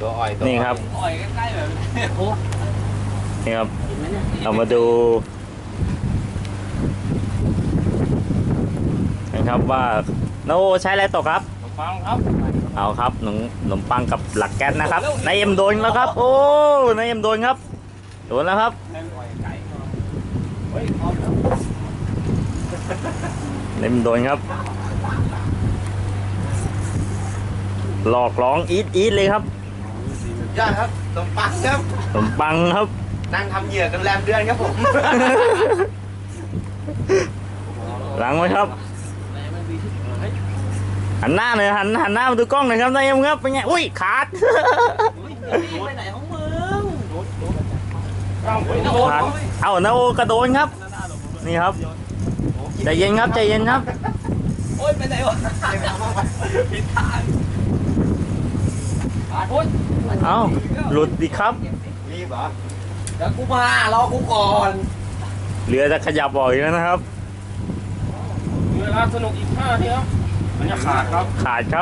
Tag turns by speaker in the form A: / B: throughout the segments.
A: ตัวอ้อย
B: นี่ครับ
A: อ้อยใกล้ๆแบบโอ้
B: นี่ครับเรามาดูนะครับว่าโนใช้อะไรตกครับ
A: ฟังครับ
B: เอาครับขนมปังกับหลักแก๊สนะครับนายเอ็มโดนแล้วครับโอ้นายเอ็มโดนครับโดนแล้วครับ
A: เฮ้ยพร้อมแล้ว
B: นายเอ็มโดนครับหลอกร้องอีทเลยครับ
A: ยอดครับขนมปังครับ
B: ขนมปังครับ
A: นั่งทำเหยื่อกันแรมเดือนครับผม
B: หลังไว้ครับหันหน้าหน่อยหันหน้ามาดูกล้องหน่อยครับนายเอ็มครับเป็นไงอุ้ยขาด
A: ไปไหนของมึง
B: ขาดเอานาโอกระโดนครับนี่ครับใจเย็นครับใจเย็นครับ
A: โอ้ยไปไหนวะผิดทางโอ้ย
B: เอาหลุดดิครับ
A: รีบเหรอเดี๋ยวกูมารอกูก่อน
B: เรือจะขยับออกอีกแล้วนะครับ
A: เวลาสนุกอีก5 นาทีครับมันจะขาดครับ
B: ขาดครับ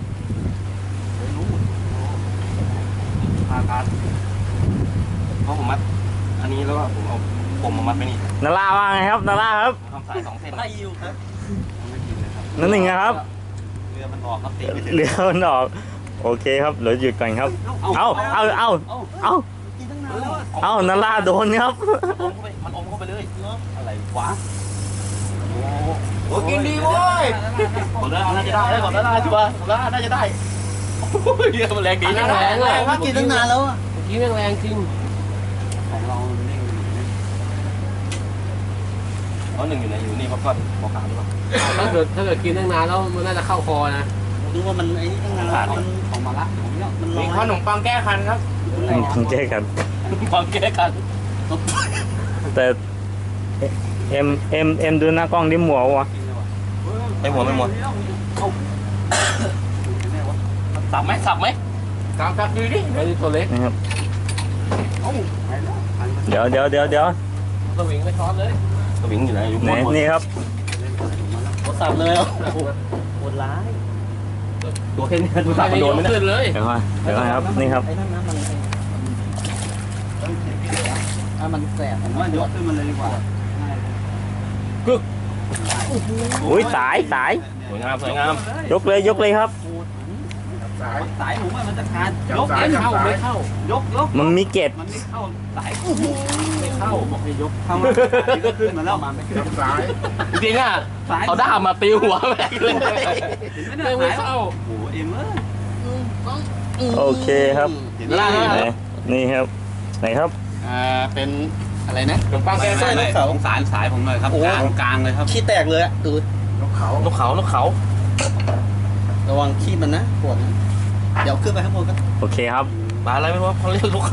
A: ขาดเพราะผมมัดอันนี้แล้วก็ผมเอาผมมามัดไปนี่
B: นาราว่าไงครับนาราครับ
A: ทำสาย2 เส้นไม่อยู่ครับไม่กินเลยครับ
B: นั่นหนึ่งนะครับ
A: เรือมันออกครับตีไม่ถึง
B: เรือมันออกโอเคครับเดี๋ยวหยุดก่อนครับเอานาราโดนครับ
A: มันอมเข้าไปเลยอะไรวะโอ้กินดีเว้ยผมน่าจะได้ผมน่าจะว่าผมน่าจะได้เรือมันแรงดีแรงเลยว่ากินตั้งนานแล้วอ่ะกินแรงจริงของเราเน่งเพราะหนึ่งอยู่ไหนอยู่นี่เพราะก้อนขาวหรือเปล่า
C: ถ้าเกิดกินตั้งนานแล้วมันน่าจะเข้าคอนะ
A: ดูว่ามันไอ้นี่ตั้งนานมันของมาละของเนี่ยมันมีขนมปังแก้คันครับ
B: ต้องแก้กัน
A: ปังแก้คัน
B: แต่เอ็มดูหน้ากล้องดิหมัววะ
A: ไม่หมดสับไหมสับดูดิ
C: ไอ้นี่ตัวเล็ก
B: นะครับเดี๋ยว
C: สวิงไม่ช้อนเลย
A: สวิงอยู่ไหนอยู่บน
B: นี่ครับ
A: สับเลยโหดร้ายตัวแค่นี้ดูสับมันโดนไหม
C: ขึ้นเลย
B: เดี๋ยวก่อนครับนี่ครับ
A: ไอ้นั่นนะมันแสบผมว่ายกขึ้นมันเลยดีกว่า
B: อุ้ยสาย
A: สวยงาม
B: ยกเลยครับ
A: สายผมว่ามันจะขาดยก
C: ไม่เข้าย
A: ก
B: มันมีเกล็ด
A: มันไม่เข้าสาย
C: ไม่เข้าบอกให้ยก
A: เข้ามาก็ขึ้นมาแล้วไม่ขึ้นสายจริงอ่ะเอาด้ามมาตีหัวแม่เลย
C: ไม่เข้า
A: โอ้เอ็มเอ้ย
B: โอเคครับ
A: เห็นแล้ว
B: นี่ครับไหนครับ
A: เป็นอะไรนะขนมปังแกงส้มนกเขาสายผมเลยครับกลางเลยครับขี้แตกเลยอ่ะตูดนกเขาระวังขี้มันนะปวดนะเดี๋ยวขึ้นไปข้างบนกัน
B: โอเคครับ
A: ปลาอะไรไม่รู้เขาเรียกนกเขา